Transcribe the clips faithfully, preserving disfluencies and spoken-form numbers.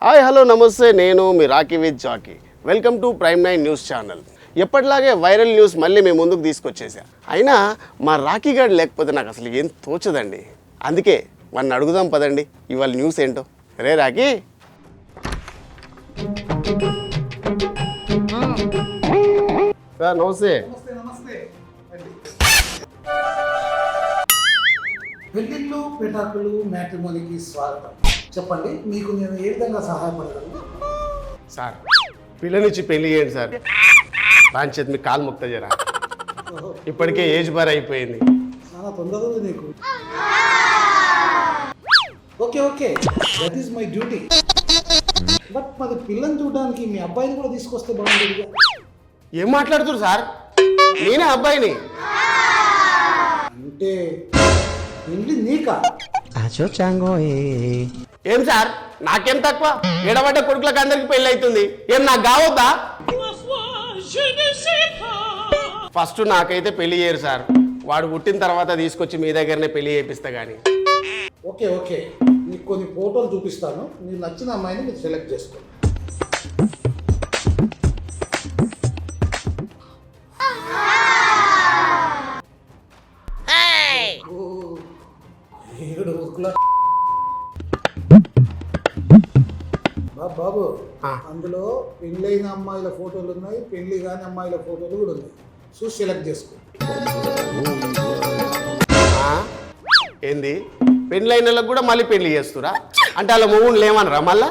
Hi hello నమస్తే, నేను మీ Rocky with Jackie. Welcome to prime nine news channel. ఎప్పటిలాగే వైరల్ న్యూస్ మళ్ళీ మేము ముందుకు తీసుకొచ్చేసా. అయినా మా రాకీ గారు లేకపోతే నాకు అసలు ఏం తోచదండి. అందుకే వాడిని అడుగుదాం పదండి ఇవాళ న్యూస్ ఏంటో. రే రాకీ. సార్ నమస్తే. పెళ్ళిళ్ళు పెటాకులు మ్యాట్రిమోనీకి స్వాగతం. చెప్పండి, మీకు నేను ఏ విధంగా సహాయపడగలను? సార్ పిల్లనిచ్చి పెళ్లి చేయండి సార్. రాంచేది మీ కాలు మొక్త జరా. ఇప్పటికే ఏజ్ బార్ అయిపోయింది. చాలా తొందరగా ఉంది నీకు. Okay okay, that is my duty. But మరి పిల్లని చూడడానికి మీ అబ్బాయిని కూడా తీసుకొస్తే బాగుంటుంది. ఏం మాట్లాడుతున్నారు సార్? నేనే అబ్బాయిని. అంటే పెళ్ళి నీకా? ఏం సార్ నాకేం తక్కువ? ఎడబడ్డ కొడుకులకు అందరికి పెళ్లి అవుతుంది, ఏం నాకు కావద్దా? ఫస్ట్ నాకైతే పెళ్లి చేయరు సార్. వాడు పుట్టిన తర్వాత తీసుకొచ్చి మీ దగ్గరనే పెళ్లి చేపిస్తా గానీ. ఓకే ఓకే, నీకు కొన్ని ఫోటోలు చూపిస్తాను. నీకు నచ్చిన అమ్మాయిని మీరు సెలెక్ట్ చేసుకోండి. బాబు బాబు అందులో పెళ్ళైన అమ్మాయిల ఫోటోలు ఉన్నాయి, పెళ్లి కాని అమ్మాయిల ఫోటోలు కూడా ఉన్నాయి. చూసి సెలెక్ట్ చేసుకో. ఏంది పెళ్ళైన వాళ్ళకి కూడా మళ్ళీ పెళ్లి చేస్తురా? అంటే అలా మూడు లేమనరా మళ్ళా?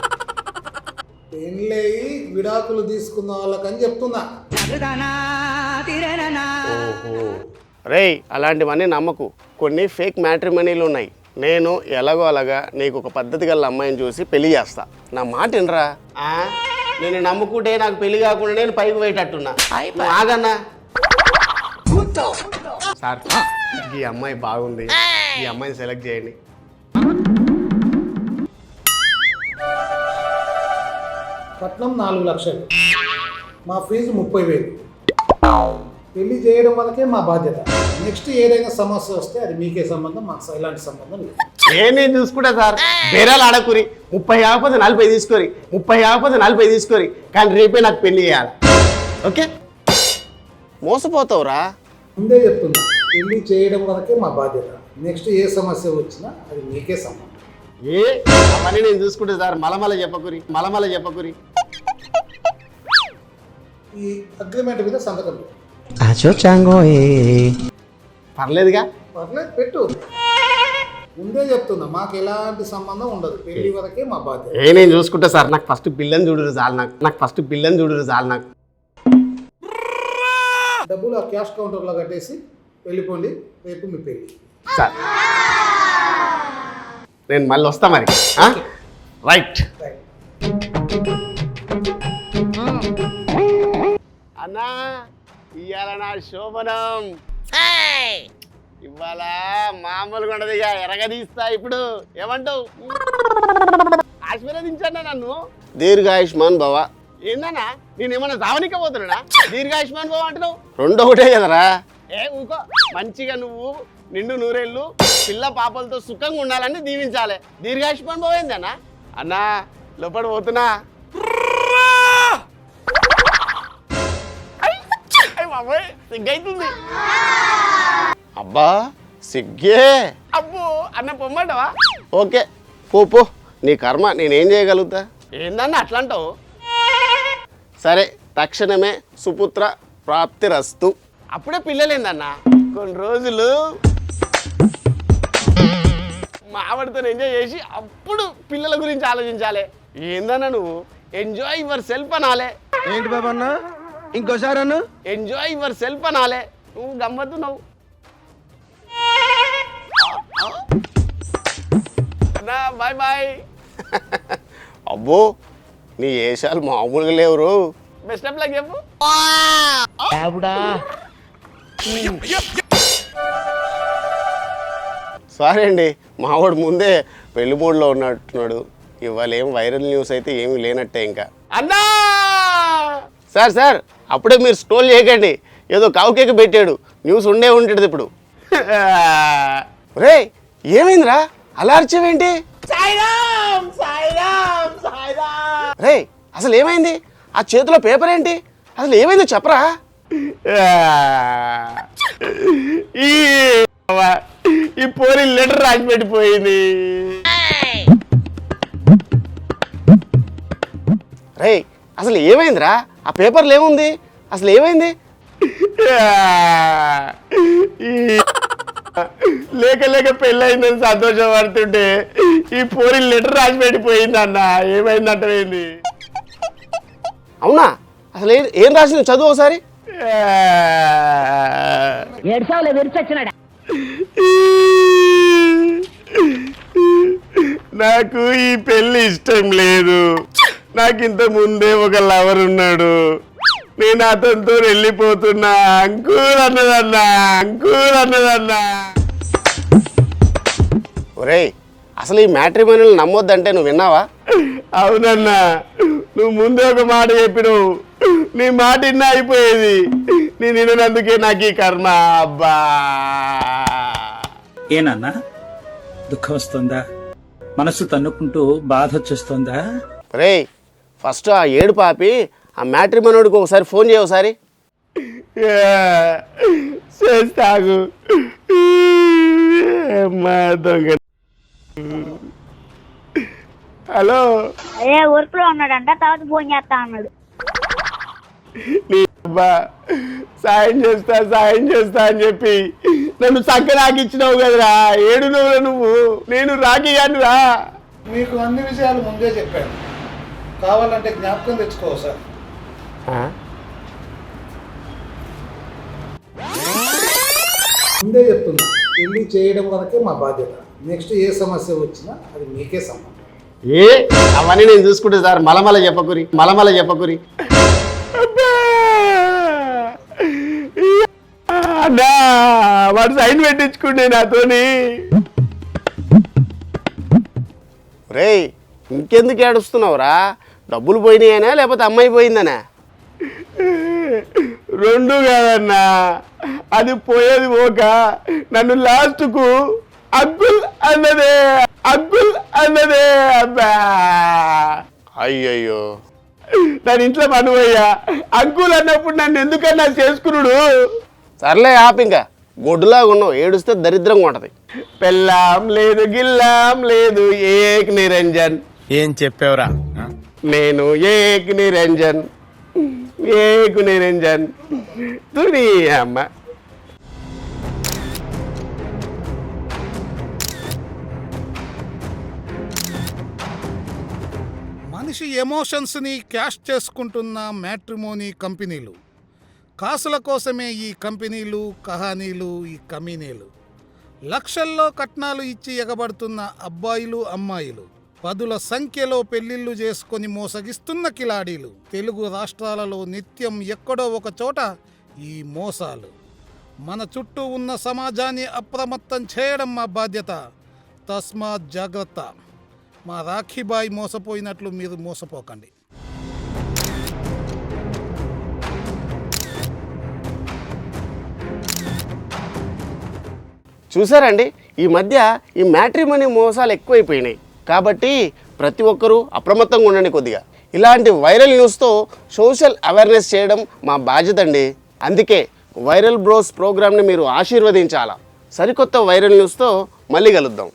పెళ్ళయి విడాకులు తీసుకున్న వాళ్ళకని చెప్తున్నా. రేయ్ అలాంటివన్నీ నమ్మకు. కొన్ని ఫేక్ మ్యాట్రిమనీలు ఉన్నాయి. నేను ఎలాగో అలాగా నీకు ఒక పద్ధతి గల అమ్మాయిని చూసి పెళ్లి చేస్తా. నా మాట వినరా? నేను నమ్ముకుంటే నాకు పెళ్లి కాకుండా నేను పైకి పోయేటట్టున్నా. ఆగన్నా సార్, ఈ అమ్మాయి బాగుంది, ఈ అమ్మాయిని సెలెక్ట్ చేయండి. కట్నం నాలుగు లక్షలు, మా ఫీజు ముప్పై వేలు. పెళ్లి చేయడం వరకే మా బాధ్యత. నెక్స్ట్ ఏదైనా సమస్య వస్తే అది మీకే సంబంధం, మాకు ఎలాంటి సంబంధం లేదు. నేను చూసుకుంటా సార్. బేరాలు ఆడకూరి. ముప్పై యాకపోతే నలభై తీసుకోరి, ముప్పై యాకపోతే నలభై తీసుకోరి, కానీ రేపే నాకు పెళ్లి చేయాలి. ఓకే? మోసపోతావురా. ముందే చెప్తున్నా, పెళ్లి చేయడం వరకే మా బాధ్యత. నెక్స్ట్ ఏ సమస్య వచ్చినా అది మీకే సంబంధం. ఏ అవన్నీ నేను చూసుకుంటా సార్. మలమల చెప్పకురి, మలమల చెప్పకురి. ఈ అగ్రిమెంట్ మీద సంతకం పెట్టు. పర్లేదుగా? పర్లేదు, పెట్టు. ముందే చెప్తున్నా, మాకు ఎలాంటి సంబంధం ఉండదు. పెళ్లి వరకే మా బాధ్యత. ఏ నేను చూసుకుంటా సార్. నాకు ఫస్ట్ పిల్లని చూడరు చాలు. నాకు నాకు ఫస్ట్ పిల్లని చూడరు చాలు. నాకు డబ్బులు ఆ క్యాష్ కౌంటర్లో కట్టేసి వెళ్ళిపోండి. రేపు మీ పెళ్లి సార్. నేను మళ్ళీ వస్తా మరి. రైట్ అన్నా, ఇవాళ నా శోభనం. ఇవాళ మామూలుగా ఉండదు, ఇక ఎరగదీస్తా. ఇప్పుడు ఏమంటావు? ఆశీర్వదించన్నా నన్ను. దీర్ఘాయుష్మాన్ భవ. ఏందన్నా నేనేమన్నా దావనిక పోతున్నా? దీర్ఘాయుష్మాన్ భవ అంటున్నావు. రెండో ఒకటే కదరా. ఏ ఊకో. మంచిగా నువ్వు నిండు నూరేళ్ళు పిల్ల పాపలతో సుఖంగా ఉండాలని దీవించాలి. దీర్ఘాయుష్మాన్ భవ ఏందన్నా? అన్నా లోపల పోతున్నా. సిగ్గైతుంది. అబ్బా సిగ్గే. అబ్బో అన్న పొమ్మంటావా? ఓకే పో పో, నీ కర్మ. నేనేం చేయగలుగుతా? ఏందన్న అట్లా అంటావు? సరే, తక్షణమే సుపుత్ర ప్రాప్తిరస్తు. అప్పుడే పిల్లలేందన్న, కొన్ని రోజులు మావిడితో ఎంజాయ్ చేసి అప్పుడు పిల్లల గురించి ఆలోచించాలి. ఏందన్నా నువ్వు? ఎంజాయ్ యువర్ సెల్ఫ్ అనాలే. ఏంటి బాబు అన్న? ఇంకోసారి అన్న. ఎంజాయ్ యువర్ సెల్ఫ్ అనాలే. నువ్వు గమ్మత్తున్నావు అన్నా. Bye bye. అబ్బో నీ ఏషాలు మామూలుగా లేవురు. బెస్ట్ ఆఫ్ లక్ చెప్పు. సారీ అండి, మావాడు ముందే పెళ్లి మూడ్లో ఉన్నట్టున్నాడు. ఇవాళ ఏం వైరల్ న్యూస్ అయితే ఏమీ లేనట్టే. ఇంకా అన్నా సార్ సార్ అప్పుడే మీరు స్క్రోల్ చేయకండి. ఏదో కావుకేకి పెట్టాడు, న్యూస్ ఉండే ఉంటుంది ఇప్పుడు. రే ఏమైందిరా అలా అరిచేవేంటి? సాయిరామ్ సాయిరామ్ సాయి రే అసలు ఏమైంది? ఆ చేతిలో పేపర్ ఏంటి? అసలు ఏమైందో చెప్పరా? ఈ ఈ పోరి లెటర్ రాసి పెట్టిపోయింది. రే అసలు ఏమైందిరా? ఆ పేపర్లు ఏముంది? అసలు ఏమైంది? లేక లేక పెళ్ళయిందని సంతోషపడుతుంటే ఈ పోరి లెటర్ రాసి పెట్టిపోయింది అన్న. ఏమైందంటేంది? అవునా? అసలు ఏం ఏం రాసింది చదువు ఒకసారి. నాకు ఈ పెళ్లి ఇష్టం లేదు. నాకు ఇంత ముందే ఒక లవర్ ఉన్నాడు. నేను అతనితో వెళ్ళిపోతున్నా. అంకుల్ అన్నదన్నా, అంకుల్ అన్నదన్నా. ఒరేయ్ అసలు ఈ మ్యాట్రిమోనియల్ నమ్మొద్దంటే నువ్వు విన్నావా? అవునన్నా, నువ్వు ముందే ఒక మాట చెప్పినావు. నీ మాట ఇన్న అయిపోయేది. నేను వినందుకే నాకు ఈ కర్మ. అబ్బా ఏనన్నా దుఃఖం వస్తుందా? మనసు తన్నుకుంటూ బాధ వచ్చేస్తుందా? రేయ్ ఫస్ట్ ఆ ఏడు పాపి ఆ మ్యాట్రిమోనియోడికి ఒకసారి ఫోన్ చేయ ఒకసారి. చేస్తాగు దొంగ. హలో, అదే వర్క్ లో ఉన్నాడంట, తర్వాత ఫోన్ చేస్తా అన్నాడు. నీ అబ్బా సాయం చేస్తా సాయం చేస్తా అని చెప్పి నన్ను చక్క రాకిచ్చినావు కదరా. ఏడు నువ్వురా నువ్వు. నేను రాఖీ కానురా. మీకు అన్ని విషయాలు ముందే చెప్పాను, కావాలంటే జ్ఞాపకం తెచ్చుకో సార్. ముందే చెప్తున్నా, పెళ్లి చేయడం వరకే మా బాధ్యత. నెక్స్ట్ ఏ సమస్య వచ్చినా అది మీకే సంబంధం. ఏ అవన్నీ నేను చూసుకుంటే సార్. మలమల చెప్పకురి, మలమల చెప్పకురి. అన్నా వాడు సైన్ పెట్టించుకుంటే నాతోని. రేయ్ ఇంకెందుకు ఏడుస్తున్నావురా? డబ్బులు పోయినాయనా లేకపోతే అమ్మాయి పోయిందనా? రెండు కాదన్నా, అది పోయేది పోక నన్ను లాస్ట్కు అగ్గుల్ అన్నదే, అగ్గుల్ అన్నదే. అబ్బా అయ్యయ్యో దాని ఇంట్లో మనువయ్యా. అంకుల్ అన్నప్పుడు నన్ను ఎందుకన్నా చేసుకున్నాడు. సర్లే ఆపు, ఇంకా గొడ్డులాగా ఉన్నావు. ఏడుస్తే దరిద్రంగా ఉంటది. పెళ్ళాం లేదు గిల్లాం లేదు ఏక్ నిరంజన్. ఏం చెప్పావురా? నేను ఏక్ నిరంజన్, ఏక్ నిరంజన్ తుని అమ్మ. మనిషి ఎమోషన్స్ని క్యాష్ చేసుకుంటున్న మ్యాట్రిమోనీ కంపెనీలు, కాసుల కోసమే ఈ కంపెనీలు, కహానీలు, ఈ కమీనీలు. లక్షల్లో కట్నాలు ఇచ్చి ఎగబడుతున్న అబ్బాయిలు, అమ్మాయిలు, పదుల సంఖ్యలో పెళ్లిళ్ళు చేసుకొని మోసగిస్తున్న కిలాడీలు. తెలుగు రాష్ట్రాలలో నిత్యం ఎక్కడో ఒక చోట ఈ మోసాలు. మన చుట్టూ ఉన్న సమాజాన్ని అప్రమత్తం చేయడం మా బాధ్యత. తస్మాత్ జాగ్రత్త. మా రాఖీబాయి మోసపోయినట్లు మీరు మోసపోకండి. చూసారండి, ఈ మధ్య ఈ మ్యాట్రిమోనీ మోసాలు ఎక్కువైపోయినాయి. కాబట్టి ప్రతి ఒక్కరూ అప్రమత్తంగా ఉండండి కొద్దిగా. ఇలాంటి వైరల్ న్యూస్తో సోషల్ అవేర్నెస్ చేయడం మా బాధ్యత అండి. అందుకే వైరల్ బ్రోస్ ప్రోగ్రామ్ని మీరు ఆశీర్వదించాలా. సరికొత్త వైరల్ న్యూస్తో మళ్ళీ కలుద్దాం.